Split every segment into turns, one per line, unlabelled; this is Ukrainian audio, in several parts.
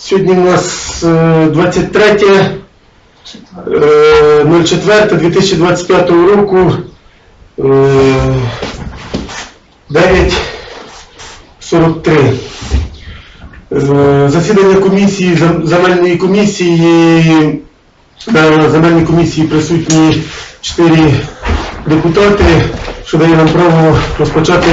Сьогодні у нас 23.04.2025 року, 9:43. Засідання комісії, земельної комісії. На земельній комісії присутні 4 депутати, що дає нам право розпочати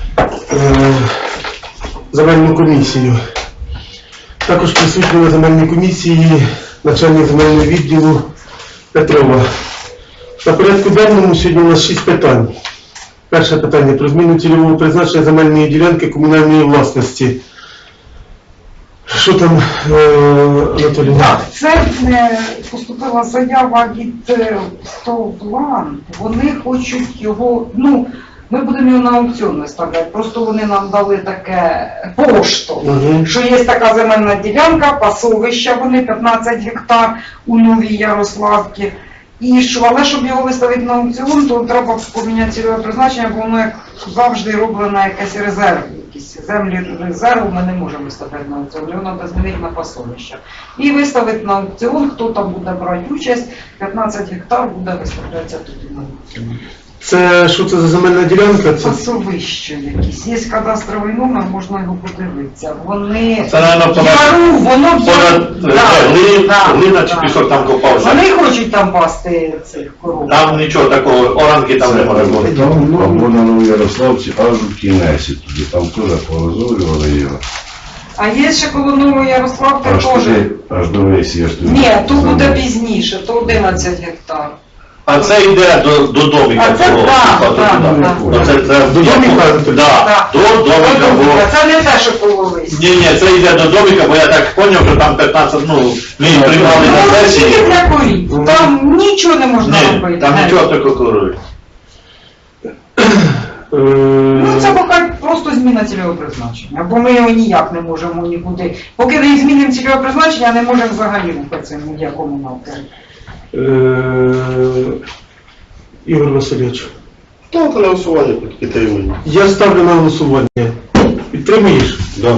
земельну комісію. Також присутні на земельній комісії начальник земельного відділу Петрова. На порядку денному сьогодні у нас 6 питань. Перше питання про зміну цільового призначення земельної ділянки комунальної власності. Що там, Анатолій?
Так, це поступила заява від Стовлан. Вони хочуть його, ми будемо його на аукціон виставляти, просто вони нам дали таке поштовх, що є така земельна ділянка, пасовища, вони 15 гектар у Новій Ярославці. І що, але щоб його виставити на аукціон, то треба поміняти цільове призначення, бо воно, як завжди, роблено якийсь резерв. Якісь землі резерву ми не можемо виставляти на аукціон, його треба змінити на пасовище. І виставити на аукціон, хто там буде брати участь, 15 гектар буде виставлятися тоді на аукціон.
Це що це за земельна ділянка? Це
пасовище якісь. Є кадастровий номер, можна його подивитися. Вони
це,
яру, воно
глина чи пісок там копався.
Вони хочуть там пасти цих коров.
Там нічого такого, оранки там не може бути.
Або на Новій Ярославці, аж у кінесі туди, там теж порозорювали його.
А є ще коло Нової Ярославки
Аж
теж.
туди, аж до весі.
Ні, то буде пізніше, то 11 гектар.
А це йде до домика.
А це так.
до домика?
Так, до домика.
Це не те, що половись.
Ні, це йде до домика, бо я так зрозумів, що там 15, ми приймали на сесії.
Тільки для корів. Там нічого не можна
Ні,
робити.
там нічого такого корують.
Це поки просто зміна цільового призначення, бо ми його ніяк не можемо нікуди. Поки не змінимо цільове призначення, не можемо взагалі рухатися ні в якому напрямку.
Ігор Васильович.
Так, на голосування підтримую.
Я ставлю на голосування. Підтримуєш?
Да.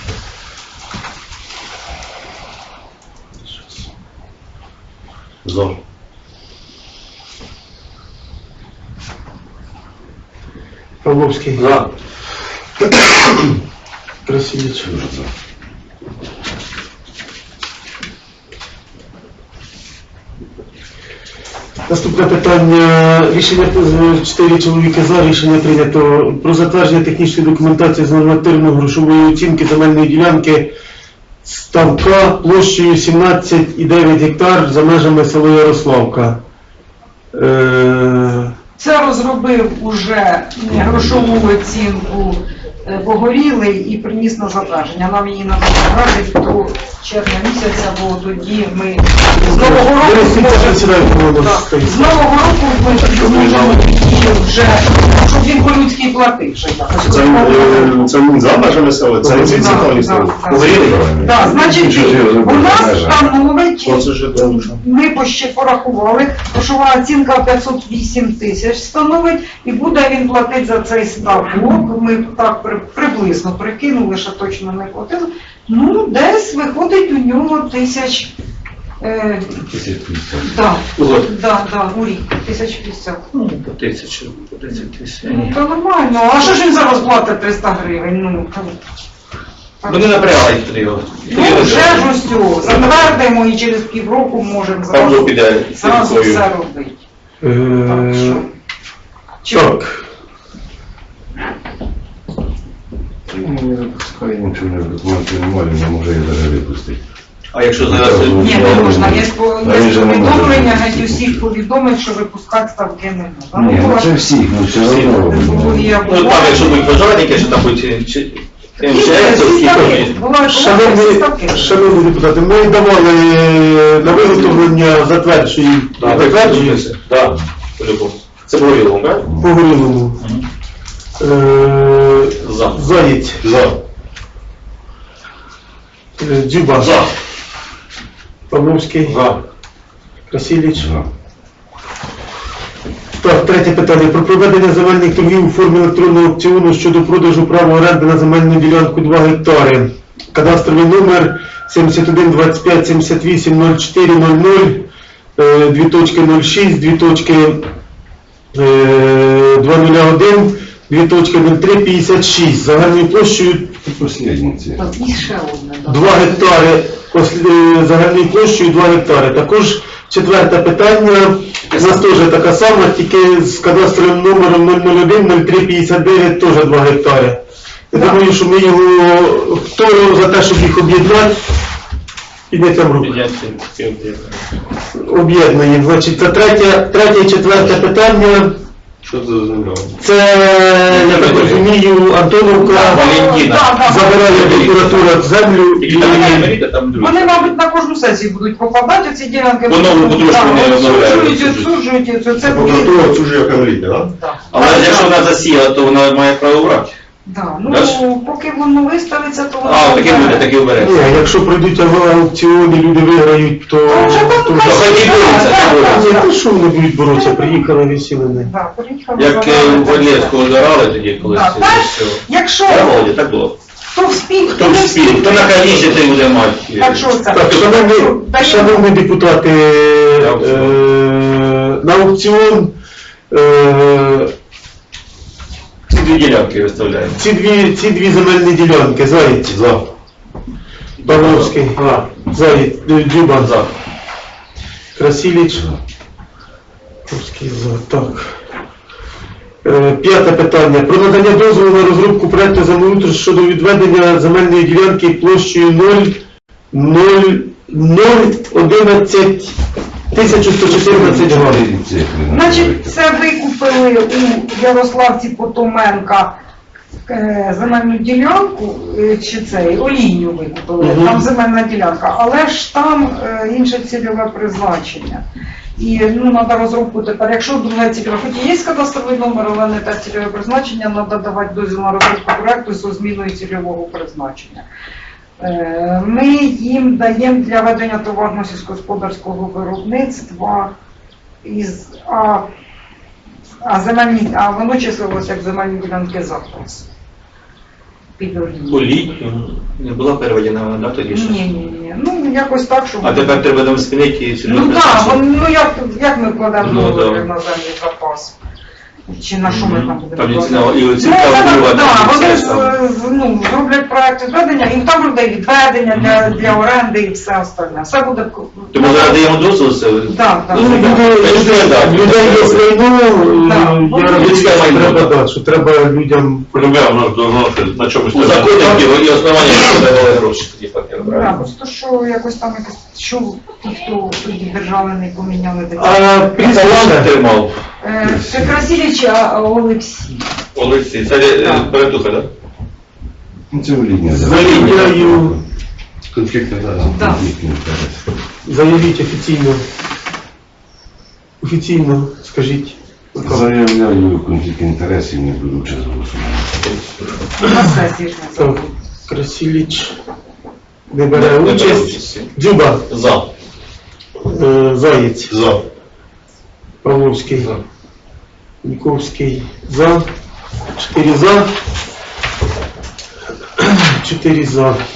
За.
Павловський.
За.
Красивець. Наступне питання. Рішення 4 чоловіки за. Рішення прийнято про затвердження технічної документації з нормативно-грошової оцінки земельної ділянки ставка площею 17,9 гектар за межами села Ярославка.
Це розробив уже грошову оцінку Погорілий і приніс на затвердження. Нам її треба затвердити до червня місяця, бо тоді ми з Нового року ми зможемо її вже, щоб він по-людськи платив.
Це не за межами села, це інцидентальні села.
Так, значить, у нас становить,
Оце ж
ми порахували, грошова оцінка 508 тисяч становить, і буде він платити за цей ставок. Ми так приблизно прикинули, що точно не платили. Десь виходить у нього 1000. Так, у рік 1050.
По 1000, по 10 тисяч.
То нормально. А що ж він зараз платить 300 гривень?
Вони напрягають туди його.
Вже ж усього. Затвердимо і через півроку можемо
Павло піде
зразу все робити.
Так.
Не запускає нічого, документів немає, не може їх навіть випустити.
А якщо зараз...
Ні, не можна. Є повідомлення, геть усіх повідомлень, що випускати ставки не можна.
Ні, це всіх, все одно.
Ну там, якщо будуть пожарники, що там будуть...
Шановні депутати, ми давали на виготовлення затверджуємо.
Затверджується? Так, по-любому. Це Погорілому, так?
Погорілому.
За.
Заєць.
За.
Дзюба.
За.
Павловський.
За.
Красиліч.
За.
Так, третє питання. Про проведення земельних торгів у формі електронного аукціону щодо продажу права оренди на земельну ділянку 2 гектари. кадастровий номер 71 25 78 04 00, 2.06, 2.201, 2.03 56, загальною площею
Послідні ці.
І ще одне. да.
2 гектари, загальною площею 2 гектари. Також четверте питання, у нас теж така сама, тільки з кадастровим номером 001 03 59 теж 2 гектари. Я думаю, що ми його, хто за те, щоб їх об'єднати, підняття рук. Об'єднуємо. Значить, це третє і четверте питання.
Що це за земля?
Це, я так розумію, Антоновка
Валентина.
забирає прокуратура землю і
Вони, мабуть, на кожну сесію будуть попадати, ці ділянки.
Воно потрошку не обновляють.
Відсуджують, це
Прокуратура оцюжує камеліти, так?
Так.
Але якщо вона засіяла, то вона має право брати.
Да,
Дальше?
ну, поки воно виставиться, то воно...
А, таке буде, таке
Ні,
вбереться.
якщо пройдуть аукціони, люди виграють, то...
То вже там
то
хай
вже-
хай і борються,
так,
хай
так,
Ні,
так.
то що вони будуть боротися, приїхали, висіли не.
Да, приїхали,
Як
забрали,
у Валєвського зарали тоді колись.
Так, так.
все.
Якщо
Так, Володя, так було.
хто вспів,
Хто вспів, хто на каліші, той буде мати.
Так що це?
Так,
Даємо.
шановні депутати, на аукціон
Ці дві ділянки виставляємо.
ці дві земельні ділянки, Заєць,
За.
Павловський, Заєць, Дзюба,
За.
Красиліч, Павловський, за, так. П'яте питання. Про надання дозволу на розробку проекту землеустрою щодо відведення земельної ділянки площею 0,11 1114 га.
Значить, це викупили у Ярославці Потоменка земельну ділянку, чи цей, олійню викупили,
Мгм.
там земельна ділянка, але ж там інше цільове призначення. І треба розробку тепер, якщо друге цільове, хоч і є кадастровий номер, але не те цільове призначення, треба давати дозвіл на розробку проекту зі зміною цільового призначення. Ми їм даємо для ведення товарно сільськогосподарського виробництва а воно числилося як земельні ділянки запас. Під олію.
Олітню не була переведена вона, да, тоді ще?
Ні. Ну, якось так, щоб...
А тепер треба нам змінити і
Ну так, як ми кладемо
Ну,
договір
да.
на землі запас? Чи на що ми там будемо
Там і
кладати?
ціна, і оцінка
Ну,
впливає,
так,
і
вони
все там.
зроблять проект відведення, і там буде відведення для оренди і все остальне. Все буде...
Тому зараз даємо дозвіл, це...
Так, так.
Ну, людей є майно,
Да.
я розумію,
Людське
що
майно,
треба,
так.
да, що треба людям...
Полюбляв, на чомусь. У законі і основання, що давали гроші тоді папір.
Так, просто що якось там що ті, хто тоді держави не поміняли такі.
А прізвище?
Тримав.
Це Красиліч Олексій.
Олексій, це Перетуха, так?
Це олійня.
Заявляю,
Конфлікт,
Да.
конфліктний інтерес.
заявіть офіційно, скажіть.
Заявляю конфлікт інтересів, не буду час голосувати.
На сесії ж не
Так, Красиліч не бере
Не бере
участь.
участі.
Дзюба,
За.
Заєць,
За.
Павловський,
За.
Ніковський, за. 4 за. 4 за.